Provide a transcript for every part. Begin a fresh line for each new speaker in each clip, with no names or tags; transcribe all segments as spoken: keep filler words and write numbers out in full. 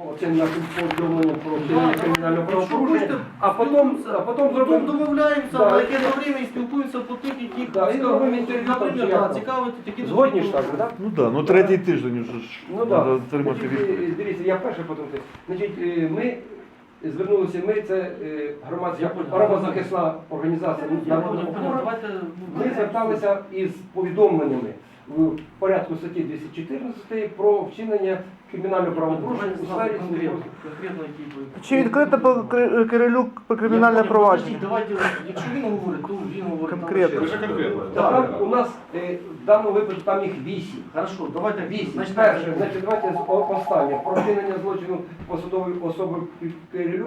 Це на повідомлення про вчинення кримінального правопорушення, а потім, а потім
Потім
зробимо.
домовляємося,
Да.
на яке время і спілкуємося по тих, яких
Да, і робимо інтерв'ю, там,
наприклад,
чи як
да,
там.
цікавити такі
Згодні ж так, же, так?
Ну так, да, ну третій тиждень вже ж
Ну
треба
так.
отримати
Значить,
відповідь.
е, дивіться, я перший, потім ти. Значить, е, ми звернулися, ми, це е, громадська
Я понял.
правозахисна організація
Я
народного
понял, понял.
опору.
Давайте, ну,
Ми зверталися із повідомленнями в порядку статті двісті чотирнадцять про вчинення кримінального правопорушення у сфері
конкретно,
службового.
конкретно які ви.
Чи відкрите по Кри- Кирилюк про кримінальне
Я понял,
провадження?
подождіть, Давайте, якщо він говорить, то він говорить. там
Конкретно.
ще.
Там у нас е, в даному випадку там їх вісім.
Хорошо, давайте
Вісім.
Значить,
Перше, значить, давайте з о- останнє. Про вчинення злочину посадової особи Кирилюк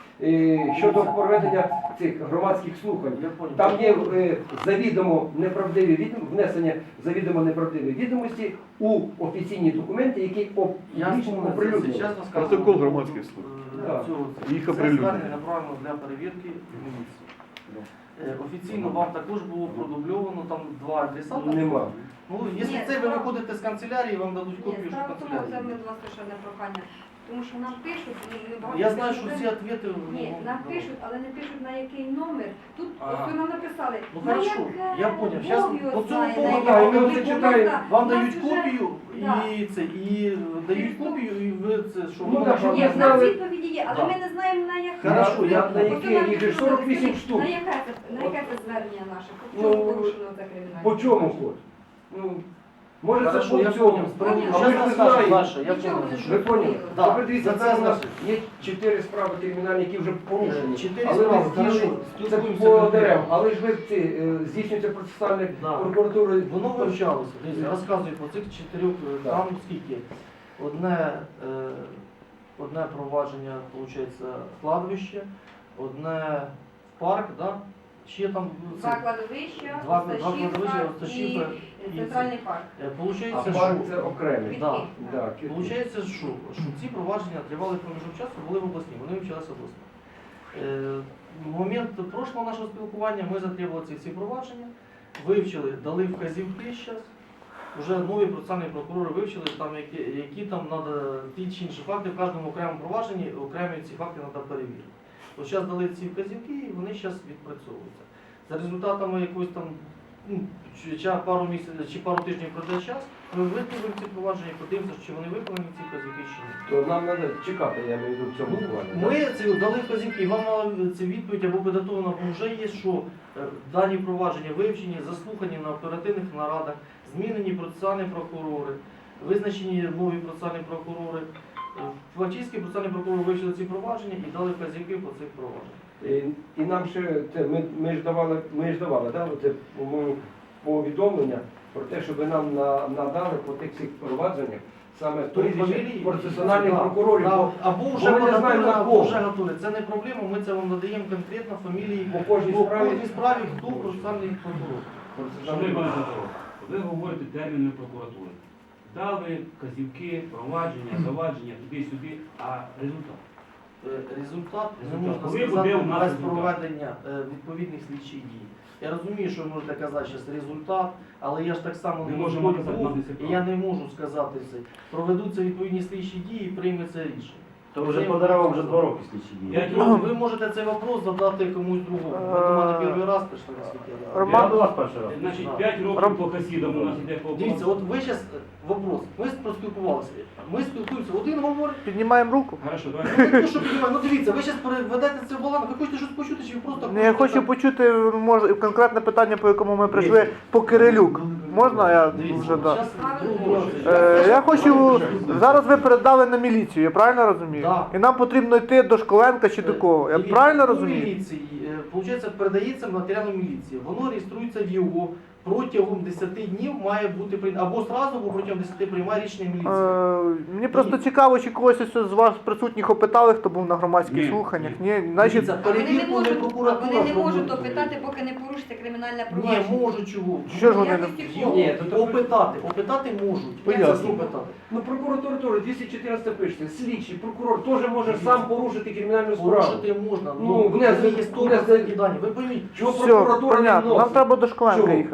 е, щодо проведення цих громадських слухань.
Я понял.
Там є е, завідомо неправдиві відом- внесення завідомо неправдивих відомості у офіційні документи, які оп-
Я
публічно
вспомнив, це
оприлюднені.
чесно сказано.
Протокол громадських слухань.
Е,
Да.
цього-
Їх
Це
оприлюднено.
звернення направлено для перевірки в міліцію. Е, Офіційно вам також було продубльовано там два адресата.
Нема.
Ну, якщо
Ні,
це ви
справа-
виходите з канцелярії, вам дадуть
Ні,
копію, що
справа в тому, це
канцелярії.
ми до вас ще одне прохання. Тому що нам пишуть, ну, ми багато
Я знаю, що
пишемо,
всі відповіді...
Ні, нам пишуть, але не пишуть на який номер. Тут
Ага.
ось ви нам написали.
Ну
на
хорошо,
яке,
я поняв. Щас
Бог його
по цьому
знає,
поводу,
на
да,
яке.
і ми
Ну,
оце
будь
читаємо.
ласка,
Вам
у нас
дають
вже-
копію
Да.
і це, і дають копію, і ви це, що
Ну,
воно
так, щоб
Ні,
ви
в нас
знали-
відповіді є, але
Да.
ми не знаємо на яке.
Хорошо, я-
на
Ось
яке,
нам
їх же
пишуть,
сорок вісім
на
штук.
яке це, на яке це звернення наше? По
Ну,
чому порушено це кримінальне?
По чому код? Ну, може це
Хорошо,
по
я
цьому.
поняв.
Поняв.
А ми ж не знаємо.
Саша, я
Нічого
понял.
не
Ви поняли?
Да.
Добре, дивіться,
За
це
це
у нас
значить.
є чотири справи кримінальні, які вже порушені.
Чотири
Але
справи,
ви здійснюєте-
хорошо,
це
спілкуємося
по
конкретно.
дерев. Але ж ви ці, е, здійснюється процесуальне
Да.
прокуратурою.
Воно вивчалося. Дивіться, розказую по цих чотирьох, е,
Да.
там скільки? Одне, е, одне провадження, виходить, кладовище, одне в парк, да? Ще там це,
Два кладовища,
Два- два кладовища,
Осташівка
Осташівка
і
і
центральний парк.
е, получається,
А
що,
парк це окремий.
да,
Да,
получається, що, що ці провадження тривали проміжок часу, були в обласні, вони вивчалися обласно. Е, в момент прошлого нашого спілкування ми затребували ці всі провадження, вивчили, дали вказівки зараз. Вже нові процесуальні прокурори вивчили, там, які, які там треба ті чи інші факти в кожному окремому провадженні, окремі ці факти треба перевірити. От зараз дали ці вказівки і вони зараз відпрацьовуються. За результатами якоїсь там ну, чи, чи пару місяців, чи пару тижнів пройде час, ми виправимо ці провадження і подивимося, чи вони виконані ці вказівки чи ні.
То нам треба чекати, я маю в виду, в цьому плані. да?
Ми це дали вказівки, і вам мала ця відповідь або підготовлена, бо вже є, що е, дані провадження вивчені, заслухані на оперативних нарадах, змінені процесуальні прокурори, визначені нові процесуальні прокурори. Е, Фактично процесуальні прокурори вивчили ці провадження і дали вказівки по цих провадженнях.
І, і нам ще це, ми, ми ж давали, ми ж давали, да, оце, по-моєму, повідомлення про те, щоб ви нам на, надали по тих всіх провадженнях саме прізвище процесуальних
Да,
прокурорів.
да,
бо
або вже
бо ми не знаємо,
подготовлено,
на
або
кого.
вже готові. Це не проблема, ми це вам надаємо конкретно фамілії
По кожній
по
справі.
кожній справі, хто процесуальний прокурор.
Шановний пане Петро, ви говорите терміни прокуратури. Дали вказівки, провадження, завадження, туди-сюди, а результат?
Е, Результат не
Результат.
можна
Коли
сказати
буде у нас
без
результат?
проведення е, відповідних слідчих дій. Я розумію, що ви можете казати зараз результат, але я ж так само
Ми
не
можемо
Господь
казати,
Бог,
нам не
і
цікаво.
я не можу сказати це. Проведуться відповідні слідчі дії і прийметься рішення.
То вже по деревам вже два роки слідчі дії.
П'ять
Ну,
років.
ви можете цей вопрос задати комусь другому. Ви до мене перший раз прийшли на світі.
Роман-
Я до вас перший раз.
Значить, п'ять років
Ром-
по хасідам у нас іде по
Дивіться, от ви зараз вопрос. Ми поспілкувалися. Ми спілкуємося. Один говорить,
Піднімаємо руку.
Хорошо,
ну,
давайте.
не то, що піднімає. Ну дивіться, ви зараз переведете це в баланс. Ви хочете щось почути, чи ви просто
Не, я
хочете
хочу
так?
почути може, конкретне питання, по якому ми прийшли по Кирилюк. Можна я
Дивіться,
вже да.
щас другого
Е, я хочу, зараз ви передали на міліцію, я правильно розумію?
Да.
І нам потрібно йти до Школенка чи до кого? Я
Дивіться,
правильно
у
розумію?
міліції, е, Получається, передається матеріал міліції. Воно реєструється в його. Протягом десяти днів має бути прийнято. Або зразу, або протягом десяти приймає рішення міліції.
Е, мені просто цікаво, чи когось із з вас присутніх опитали, хто був на громадських
Ні,
слуханнях.
ні.
Ні, значить,
Дивіться,
А вони не
перевірку не
можуть, а
прокуратура
вони не можуть
проводить.
опитати, поки не порушите кримінальне
Ні,
провадження.
можуть чого.
що ж вони не...
Якості
Його
Ні, то- то-
опитати, опитати можуть.
Поясню.
Як це опитати?
Ну, прокуратура теж двісті чотирнадцять пишеться. Слідчий прокурор теж може сам порушити кримінальну справу.
Порушити можна.
Ну,
Ну,
внести-
це є сто
внести-
дані. Ви пойміть,
Чого
Все,
прокуратура не
понятно, нам
вносить?
треба до Школенка
Чого?
їхати.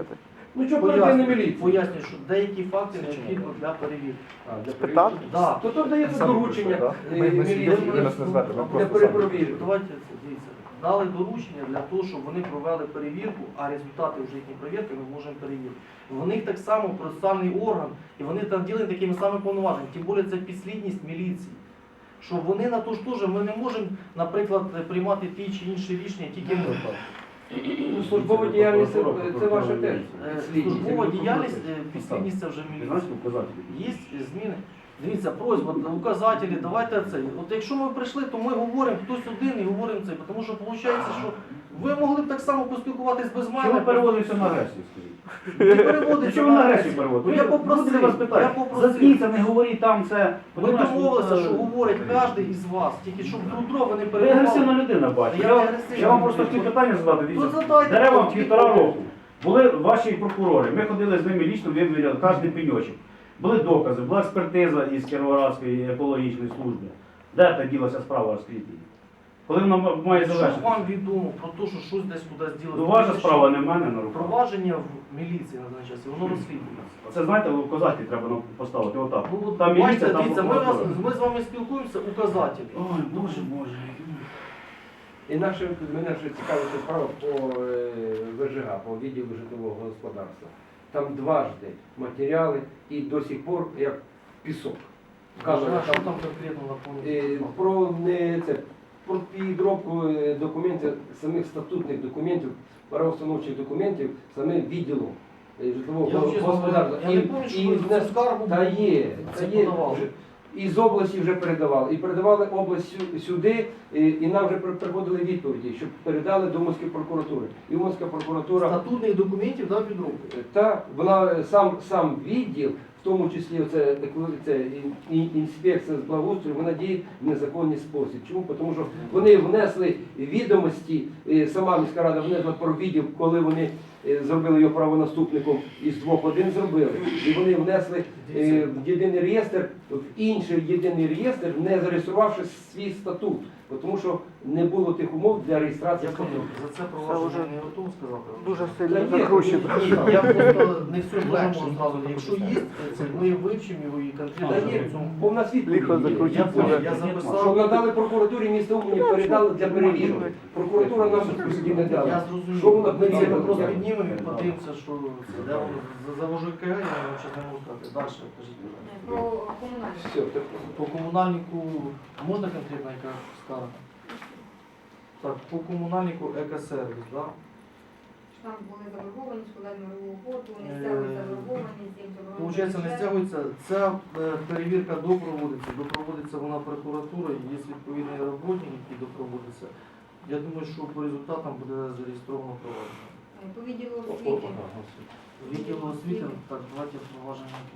Ну що оперативна
Пояснюю,
міліція?
пояснюю, що деякі факти необхідно для перевірки.
А, для
Спитати?
перевірки.
Да.
То тут дається
Саме
доручення
прийшли,
е,
да? Ми- ми
міліції
сиділи, ви нас не звати, ми
для
просто
перепровірки.
Давайте це, дивіться. Дали доручення для того, щоб вони провели перевірку, а результати вже їхньої перевірки ми можемо перевірити. В них так само процесуальний орган, і вони там ділені такими самими повноваженнями. Тим більше це підслідність міліції. Що вони на то ж теж, ми не можемо, наприклад, приймати ті чи інші рішення, тільки ми.
Ну, службова діяльність це, це ваше теж.
Е, Службова діяльність, е, підслідність це вже
Ти
міліція.
знаєш указателі?
Є зміни. Дивіться, просьба, указателі, давайте це. От якщо ми прийшли, то ми говоримо хтось один і говоримо це. Тому що виходить, що ви могли б так само поспілкуватись без
Чому
мене.
переводиться на агресію, скажіть?
Не переводиться
Чому на агресію
агресію.
переводите?
Ну, я попросив,
Люди вас
я
питають.
попросив.
Заткніться, не говоріть там це.
Ми
Понимаєш,
домовилися,
ну,
що говорить кожен із вас, тільки щоб друг друга не
Ви агресивна
перебували.
людина, бачу.
Я
Я,
не агресивна
я вам просто
людина.
хотів питання задати. Дивіться,
Ну, задайте,
деревам
ну,
півтора
відповідь.
року. Були ваші прокурори, ми ходили з ними лічно, виміряли кожен пеньочок. Були докази, була експертиза із Кіровоградської екологічної служби. Де та ділася справа, розкрити її? Коли вона м- має
Що
завершитися?
вам відомо про те, що щось десь кудись діло?
Ну, ваша справа не в мене на руках.
Провадження в міліції на даний час, і воно розслідується.
Це, знаєте, указатель треба нам поставити, отак.
Ну, от,
Там
бачите,
міліція, там
дивіться, ми, вас,
прокуратура.
ми з вами спілкуємося, указателі.
Ой, боже, боже.
І наше, мене ще цікавить справа по е, ВЖГ, по відділу житлового господарства. Там дважди матеріали і до сих пор як пісок. Вказано,
А що
там,
там конкретно
е,
наповнюється?
про не це про підробку е, документів, самих статутних документів, правоустановчих документів, самим відділом е, житлового
Я вже
господарства.
я не пам'ятаю, що ви
внес-
цю скаргу
Та є,
це
та є.
подавали.
Вже. І з області вже передавали. І передавали область сю- сюди, і, і нам вже при- приходили відповіді, щоб передали до Уманської прокуратури. І Уманська прокуратура,
Статутних документів да, підробки.
та, вона сам, сам відділ, в тому числі оце, еко- це ін- ін- інспекція з благоустрою, вона діє в незаконний спосіб. Чому? Тому що вони внесли відомості, е, сама міська рада внесла про відділ, коли вони е, зробили його правонаступником, із двох один зробили. І вони внесли е, в єдиний реєстр, в інший єдиний реєстр, не зареєструвавши свій статут. Бо Тому що не було тих умов для реєстрації
Я понял,
статуту.
за це
Це
провадження
вже
не готов сказати.
Дуже
Та
сильно
є,
закручено.
ні,
Я просто не все можемо
Легше.
зразу. Якщо є, це ми вивчимо його і
Та
конкретно
є,
в цьому.
бо в нас
Лихо
відповіді є.
закрутить.
Я понял, я
Що
записав.
надали прокуратурі міста Умані, передали для перевірки. Прокуратура нам тоді не
Я
дала.
зрозумів.
Що вона
Ми це
піднімала?
просто піднімемо і подивимося, що це. Де воно завожу КГ, я вам зараз не можу сказати. Далі, кажіть.
Про комунальні.
Все, так.
По комунальнику можна конкретно яка скарга? Так, по комунальнику екосервіс, да?
Там були заборговані, складали мирову угоду, не
Е,
стягують заборгованість, їм заборонено.
Получається, не стягується. Ця е, перевірка допроводиться, допроводиться вона прокуратурою, є відповідний роботник, який допроводиться. Я думаю, що по результатам буде зареєстровано провадження.
Е, По відділу освіти.
Відділу освіти, так, давайте провадження. яке.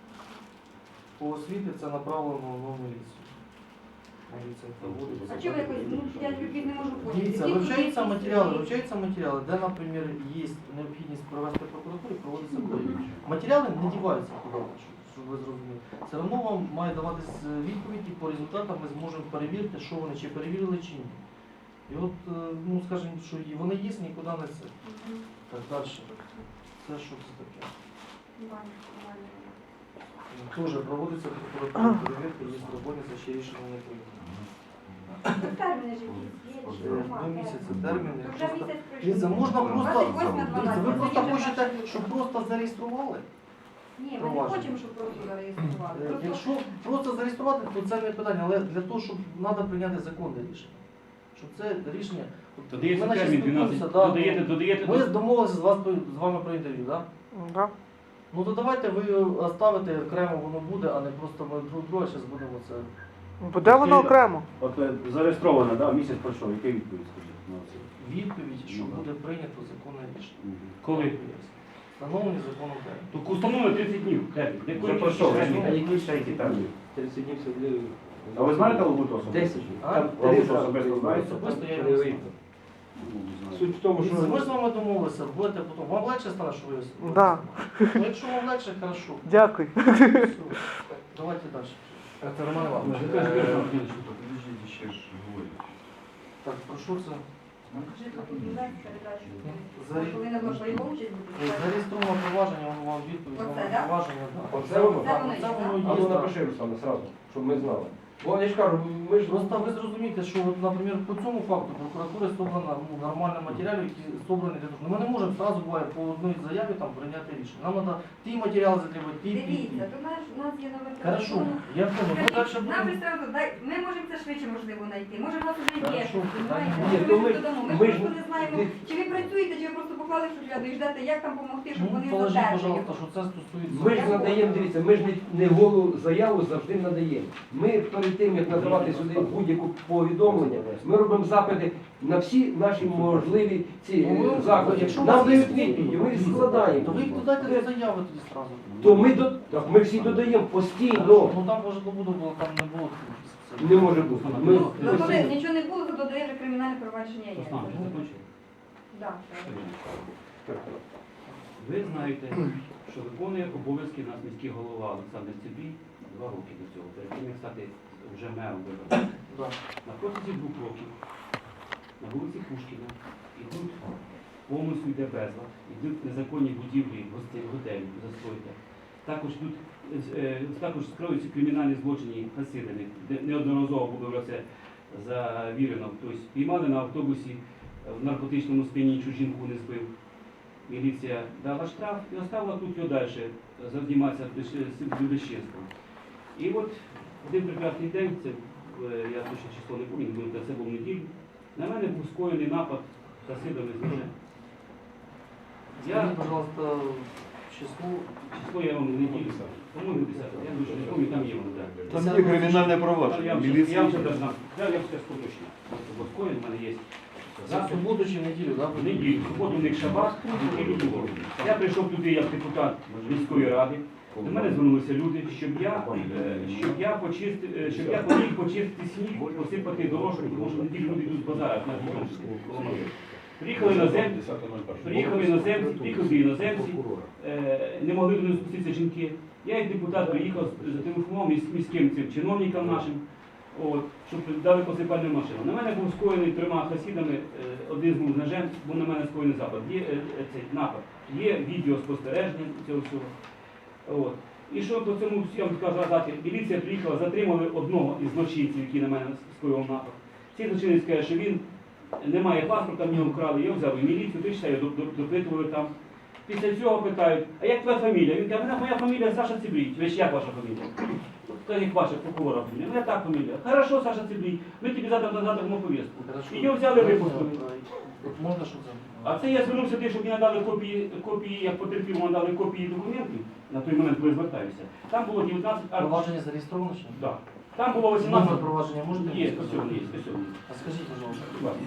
По освіті це направлено на міліцію. Міліція проводиться.
А чого ви якось, ну, я любить не можу поняти.
Дивіться,
Які
вивчаються
тут
матеріали,
є?
вивчаються матеріали, де, наприклад, є необхідність провести прокуратуру, проводиться перевірка. Матеріали не діваються куди, щоб, щоб ви зрозуміли. Все одно вам має даватись відповідь, і по результатам ми зможемо перевірити, що вони чи перевірили, чи ні. І от, е, ну скажімо, що і вони є, нікуди не це.
Мгм.
Так, далі. Це що це таке?
Банк, банк.
Теж проводиться прокуратура перевірка, є роботниця, ще рішення не прийнято.
Ну, терміни ж якісь є, чи
Е,
нема
Два місяці
термінів?
терміни.
То вже
Просто-
місяць пройшов.
Дивіться, можна просто,
двадцять восьме
дивіться, ви
дванадцяте,
просто
сьогодні вже
хочете,
перше.
щоб просто зареєстрували?
Ні, ми не
провадження.
хочемо, щоб просто зареєстрували.
Е,
Просто
Якщо просто зареєструвати, то це не питання, але для того, щоб треба прийняти законне рішення. Щоб це рішення. от
Додається
ми наче
термін
спілкуємося,
дванадцять,
да,
додаєте, додаєте.
Ми домовилися з вас з вами про інтерв'ю, так?
Да.
Ну то давайте ви оставите окремо, воно буде, а не просто ми друг друга зараз будемо це.
Буде воно окремо.
От е, зареєстровано, да, місяць пройшов. Яка відповідь, скажіть? на це?
Відповідь, що
Ну, да.
буде прийнято законне рішення.
Мгм.
Коли?
Встановлені законом термін.
Так установи тридцять днів. термін.
Вже
Який
пройшов.
термін?
А який ще які терміни?
тридцять днів це для-
А ви знаєте Лабуту особисто?
десять.
А?
Там
Ви
три зразу
особисто знаєте?
Особисто я
Це
його
не
знаю.
видно.
Ну, не знаю.
Суть в тому,
Дивіться, Ми з
що
вами домовилися, будете потім. Вам легше стане, що ви
Да.
Ну, якщо вам легше, хорошо.
Дякую.
Все. Давайте далі.
це Роман Іванович.
Скажи,
Е,
скажи,
Подождите, ще ж говорить.
Так, про що це?
Житло-будівельна передача.
Заре-
Повинна була пайова участь бути.
Зареєстроване провадження, воно вам відповідь
Оце,
на
да?
провадження. да.
Оце воно?
Це воно
Це
є,
воно
А
є,
ну
так.
напиши, Руслана, сразу, щоб ми знали. Бо я ж кажу, ми ж
Просто ви зрозумієте, що, от, наприклад, по цьому факту прокуратури зібрано ну, нормально матеріали, які зібрані для того. Ну, ми не можемо одразу буває по одній заяві там прийняти рішення. Нам треба ті матеріали затребувати, ті, ті, ті.
Дивіться, тут наш, у нас є номер
Хорошо,
телефону.
я понял. Ми далі
Нам
будемо.
представити, дай, ми можемо це швидше можливо знайти. Може в нас вже є,
Хорошо,
розумієте?
питання
Може,
немає.
ми
Ні,
ж
то
додамо. Ми,
ми ж-
просто не знаємо,
ми-
чи ви працюєте, чи ви просто поклали в шухляду і ждете, як там допомогти, щоб
Ну,
вони
положіть,
задержали.
пожалуйста, що це стосується.
Ми ж надаємо, дивіться, ми ж не, не голу заяву завжди надаємо. Ми перед тим, як надавати сюди будь-яку повідомлення, ми робимо запити на всі наші можливі ці
Ну, ви-
е, заклади.
якщо у
Нам
вас є
дають
відповідь,
відповіді, ми їх складаємо.
То ви їх додайте до заяви тоді одразу.
То ми, до, так, ми всі додаємо постійно.
Ну там може буде було, там не було.
Не може бути. Ми
Ну, ну, коли
постійно.
нічого не було, то додає вже кримінальне провадження є.
Руслан, ти закінчив?
Да.
Ви знаєте, що виконує обов'язки у нас міський голова Олександр Цибій два роки до цього, перед тим як стати вже мером вибором.
Да.
На протязі двох років на вулиці Пушкіна йдуть повністю йде безлад, йдуть незаконні будівлі гостей, готелів, застойка. Також йдуть, е, також скроються кримінальні злочини Хасидами, де неодноразово було вже це завірено. Тобто піймали на автобусі в наркотичному сп'янінні, чужу жінку не збив. Міліція дала штраф і оставила тут його далі займатися безчинством. І от один прекрасний день, це е, я точно число не пам'ятаю, це був неділю, на мене був скоєний напад хасидами з ножем. Я
Скажіть, пожалуйста, число.
число я вам не неділю, по-моєму, десяте, я дуже не пам'ятаю, там є воно, так.
Там є кримінальне
Я
провадження.
вам
Міліція.
я вам зараз дам. Я вам все скажу. Бо скоєн в мене є.
За суботу чи в неділю, так?
В неділю, в суботу у них шабат, в неділю було. Я прийшов туди як депутат міської ради. До мене звернулися люди, щоб я, е, щоб я почистив, е, щоб я поміг почистити сніг, посипати дорожку, тому що в неділю люди йдуть з базару на Дніпровську, коло мене. Приїхали іноземці, приїхали іноземці, приїхали іноземці, е, не могли до них спуститися жінки. Я як депутат приїхав, зателефонував міс- міським цим чиновникам нашим, от, щоб дали посипальну машину. На мене був скоєний трьома хасідами, е, один з був з ножем, був на мене скоєний запад. Є е, е, цей напад, є відеоспостереження цього всього. От. І що по цьому всьому скажу сказати, міліція приїхала, затримали одного із злочинців, який на мене скоював напад. Цей злочинець каже, що він не має паспорта, в нього вкрали, я взяв і міліцію, ти його допитували там. Після цього питають, а як твоя фамілія? Він каже, моя фамілія Саша Цибрій. Ви ж як ваша фамілія? Та як ваша прокурора фамілія? Моя так фамілія. Хорошо, Саша Цибрій, ми тобі завтра на завтра повістку.
Хорошо.
І його взяли, випустили.
От можна, щоб це?
А це я звернувся тим, щоб мені надали копії, копії, як потерпілому надали копії документів, на той момент, коли я звертаюся. Там було дев'ятнадцять аркушів.
Провадження зареєстровано чи? ні?
Да. Там було
Номер
вісімнадцять.
провадження можете?
Є,
мені
спасибо,
сказати?
є, спасибо.
А скажіть, пожалуйста.
Будь ласка.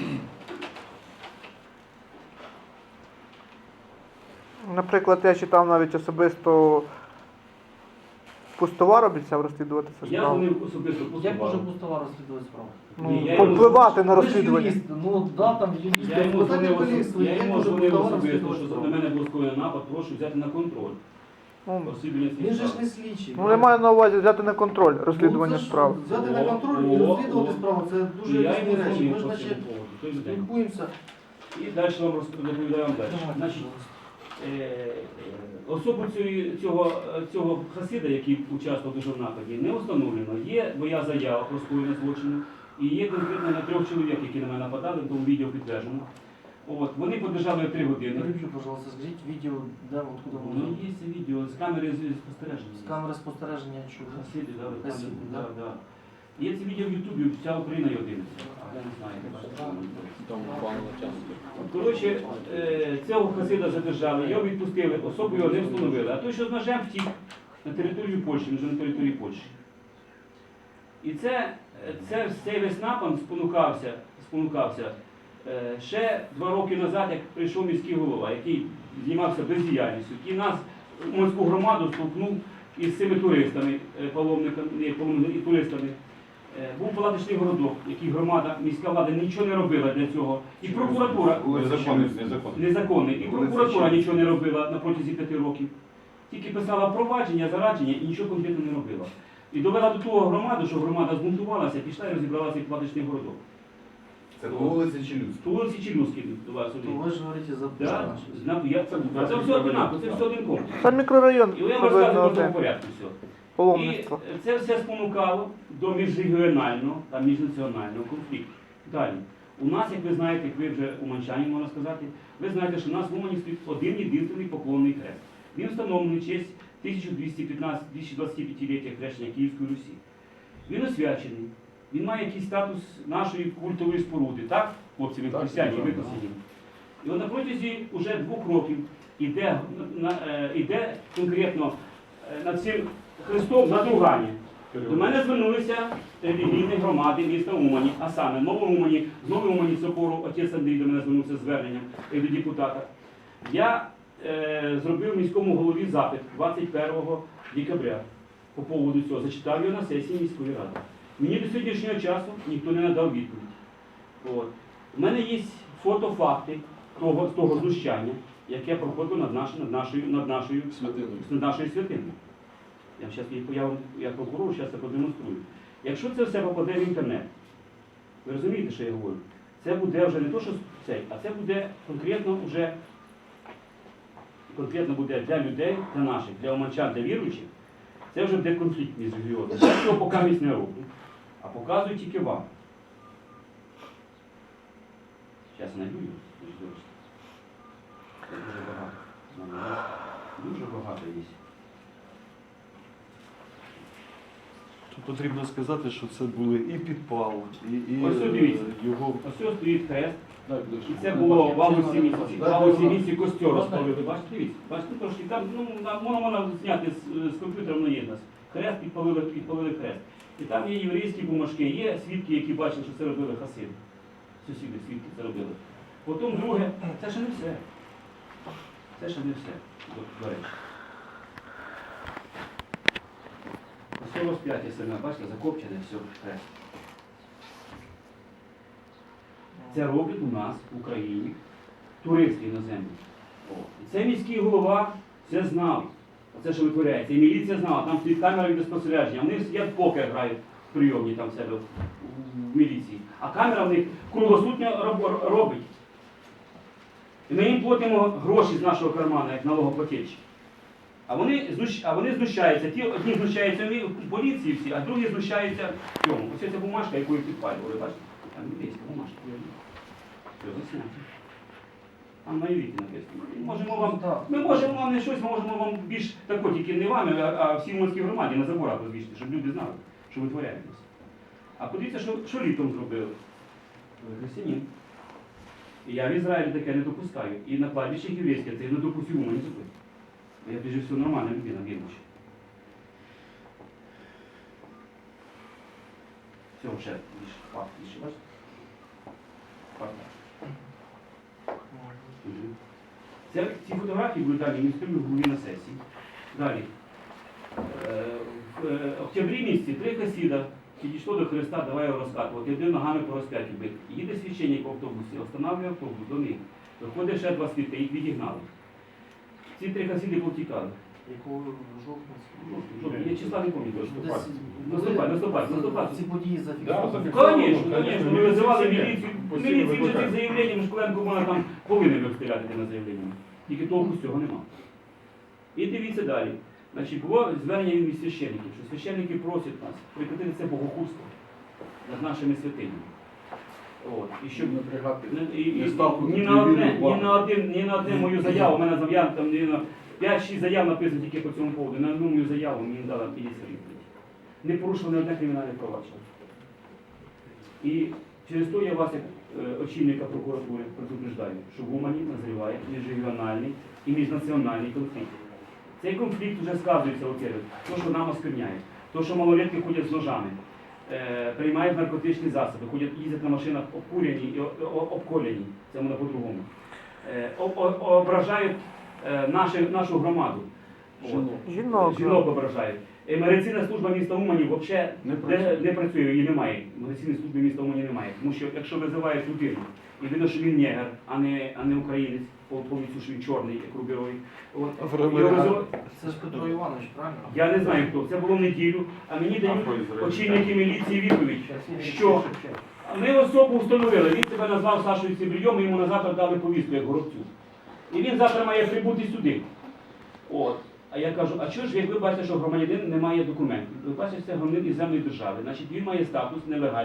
Наприклад, я читав навіть особисто Пустовар обіцяв розслідувати цю
Я
справу.
дзвонив особисто
Як
Пустовару.
може Пустова розслідувати справу?
Ну,
Ні, я йому-
повпливати на
Ви ж
розслідування.
юрист, ну да, там юрист.
Я йому
Питання
дзвонив,
поліції,
особ- я
як
йому
може
дзвонив
Пустова
особисто,
розслідувати
що
справу?
на мене був скоєний напад, прошу взяти на контроль.
Ну,
Розслідування цієї
Він же ж
справи.
не слідчий.
ну, я маю на увазі взяти на контроль
Ну,
розслідування
це ж
справи.
Взяти на
О,
контроль
о,
і розслідувати
о.
справу, це
І
дуже
я
різні
йому
речі.
дзвонив
Ми ж
по
наче
цьому поводу, той же день.
спілкуємося.
І далі вам роз- розповідаю вам далі.
Давайте,
Значить,
будь ласка.
Е, особу цієї- цього, цього хасида, який участвував дуже в нападі, не встановлено. Є моя заява про скоєння злочину, і є конкретно на трьох чоловік, які на мене нападали, тому відео підтверджено. От, вони подержали три години.
Переб'ю, пожалуйста, скажіть відео, де, откуда
Ну,
воно?
є це відео з камери з- спостереження.
З камери спостереження чого?
Хасиди, да, ви
Хасиди,
там,
да.
да, да. Є це відео в Ютубі, вся Україна його дивиться. Я не знаю, як бачите, що воно дивиться. Коротше, е, цього хасида задержали, його відпустили, особу його не встановили. А той, що з ножем втік на територію Польщі, вже на території Польщі. І це, це цей весь напад спонукався, спонукався е, ще два роки назад, як прийшов міський голова, який займався бездіяльністю, і нас, морську громаду, столкнув із цими туристами, е, паломниками, ні, паломниками і туристами. Е, Був палаточний городок, який громада, міська влада нічого не робила для цього. І прокуратура
Незаконний, незаконний.
незаконний, і прокуратура нічого не робила на протязі п'яти років. Тільки писала провадження, зарадження і нічого конкретно не робила. І довела до того громаду, що громада збунтувалася, пішла і розібрала цей палаточний городок.
Це по вулиці Челюскій.
По вулиці Челюскій у вас
То
один.
ви ж говорите за
Да,
Пушкіна.
знак, я, це, це все одинаково, це все один комплекс.
Це мікрорайон,
І я вам
приблизно
розказую по тому
один.
порядку все.
Паломництво.
І це все спонукало до міжрегіонального та міжнаціонального конфлікту. Далі. У нас, як ви знаєте, як ви вже уманчані, можна сказати, ви знаєте, що у нас в Умані стоїть один єдиний поклонний хрест. Він встановлений в честь тисяча двісті п'ятнадцятого тисяча двадцять п'ятиліття хрещення Київської Русі. Він освячений, він має якийсь статус нашої культової споруди, так, хлопці, ви
Так,
християні,
так,
ви
так.
посиділи. І от на протязі вже двох років іде, на, е, іде конкретно е, над цим хрестом надругання. До мене звернулися релігійні громади міста Умані, а саме Новоумані, з Новоумані собору, отець Андрій до мене звернувся з зверненням як до депутата. Я е, зробив міському голові запит двадцять першого декабря по поводу цього, зачитав його на сесії міської ради. Мені до сьогоднішнього часу ніхто не надав відповідь. От. У мене є фотофакти того, того знущання, яке проходило над, наш, над, нашою, над, нашою,
Святиною.
над нашою святиною. Я зараз я, вам- як прокурор зараз це продемонструю. Якщо це все попаде в інтернет, ви розумієте, що я говорю? Це буде вже не то, що цей, а це буде конкретно вже конкретно буде для людей, для наших, для оманчан, для віруючих. Це вже буде конфлікт між регіонами. Я цього поки місць не роблю, а показую тільки вам. Зараз я знайду його. дуже добре. Це дуже багато. Знаю, Дуже багато є.
Тут потрібно сказати, що це були і підпал, і, і
Ось тут дивіться.
е, його
Ось ось стоїть хрест. І це було в августі місяці. В августі місяці костьор розпалили. Бачите, дивіться. Бачите, трошки там, ну, на- можна, можна зняти з, з комп'ютера, воно є в нас. Хрест підпалили, підпалили хрест. І там є єврейські бумажки, є свідки, які бачили, що це робили хасиди. Сусіди, свідки це робили. Потім друге, це ще не все. Це ще не все, до, до речі. Ось розп'яття саме, бачите, закопчене, все, хрест. Це роблять у нас в Україні туристи іноземні. О. І це міський голова все знав. Оце, що витворяється. І міліція знала, там стоїть камера відеоспостереження. Вони сидять в покер грають в прийомні там в себе в, в міліції. А камера в них круглосутньо роб- робить. І ми їм платимо гроші з нашого кармана, як налогоплательщик. А вони, знущ... а вони знущаються. Ті одні знущаються в поліції всі, а другі знущаються в цьому. Ось ця бумажка, яку підпалювали, бачите? Там єврейська бумажка. Все, засняти. Там на івіті написано. Ми можемо вам, ми можемо вам не щось, ми можемо вам більш тако, тільки не вами, а, а всій Уманській громаді на заборах розвішати, щоб люди знали, що витворяєтесь. А подивіться, що, що літом зробили. Християнин. І я в Ізраїлі таке не допускаю. І на кладбищі єврейське це я не допустив у мене зробити. Я прежде всього нормальна людина, віруюча. Все, ще більше факт, більше, бачите? Факт. Мгм. Це, ці фотографії були далі міністрою голові на сесії. Далі. Е, В е, октябрі місяці три хасіда підійшло до Христа, давай його розкатувати, один ногами по розп'яттю бити. Їде священник в автобусі, встановлює автобус до них. Виходить ще два світи, їх відігнали. Ці три хасіди повтікали.
Якого жовтня?
Я числа не пам'ятаю.
Десь
Наступай, наступай, наступай.
Ці події
Да,
зафіксовані.
зафіксовані.
Конечно, конечно, ми визивали міліцію.
Постійно
Міліції вже
викликають.
цих заявленням, Школенко вона там повинен вистріляти на заявленнями. Тільки толку з цього нема. І дивіться далі. Значить, було звернення від священників, що священники просять нас прекратити це богохульство над нашими святинями. От. І щоб
Напрягати.
і, і,
Не ставку
ні,
на
на одне,
телевізор,
ні, на один, ні на одне мою заяву, у мене зав'ян там ні на п'ять-шість заяв написано тільки по цьому поводу. На одну мою заяву мені дали міліція відповідь. Не порушили ні одне кримінальне провадження. І через то я вас, як е, очільника прокуратури, предупреждаю, що в Умані назріває міжрегіональний і міжнаціональний конфлікт. Цей конфлікт вже сказується оце, то, що нам оскверняють, то, що малолетки ходять з ножами, е, приймають наркотичні засоби, ходять, їздять на машинах обкурені і о- о- обколені, це воно по-другому. Е, о- о- ображають е, наші, нашу громаду. От.
Жінок.
Жінок ображають. Е, Медицинна служба міста Умані взагалі
Не
не,
працює.
не працює, її немає. Медицинної служби міста Умані немає. Тому що якщо визивають людину, і видно, що він негр, а не, а не українець, по повністю, що він чорний, як рубіровий. От, його визивають-
Це ж Петро Іванович, правильно?
я не знаю хто. Це було в неділю, а мені дають
Ізраїль.
очільники міліції відповідь, що Ми особу встановили, він себе назвав Сашою Цибрійом, і йому на завтра дали повістку, як Горобцю. І він завтра має прибути сюди. От. А я кажу, а чого ж, як ви бачите, що громадянин не має документів? Ви бачите, це громадянин іноземної держави, значить він має статус нелегальний.